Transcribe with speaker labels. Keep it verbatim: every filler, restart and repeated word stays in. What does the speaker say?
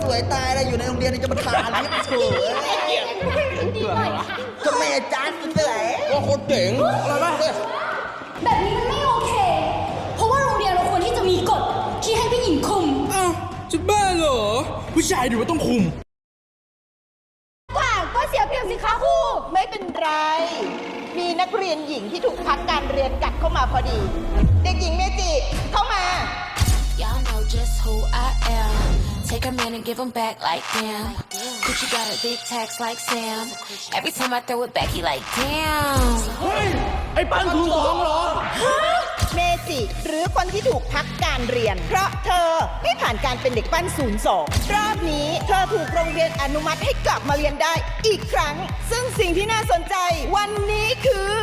Speaker 1: สวยตายเลยอยู่ในโรงเรียนนี่จะมาทาลิปเฉยก็แม่จ้าสวยว่าคนเจ๋งอะไรบ้าง
Speaker 2: แบบนี้มันไม่โอเค เพราะว่าโรงเรียนเราควรที่จะมีกฎที่ให้ผู้หญิงคุม
Speaker 3: อ้าวจะบ้าเหรอ ผู้ชายดูว่าต้องคุม
Speaker 2: กว่าก็เสียเปรียบสิคะครู
Speaker 4: ไม่เป็นไร มีนักเรียนหญิงที่ถูกพักการเรียนกัดเข้ามาพอดี เด็กหญิงเมจิ เข้ามา
Speaker 5: Y'all know just who I am. Take a man and give him back like damn. Gucci got a big tax like Sam. Every time I throw it back, he like damn.
Speaker 3: เฮ้ย ไอ้ปันถูกสองเหรอ
Speaker 4: เมจิหรือคนที่ถูกพักการเรียน เพราะเธอไม่ผ่านการเป็นเด็กปั้นศูนย์สองรอบนี้เธอถูกโรงเรียนอนุมัติให้กลับมาเรียนได้อีกครั้ง ซึ่งสิ่งที่น่าสนใจวันนี้คือ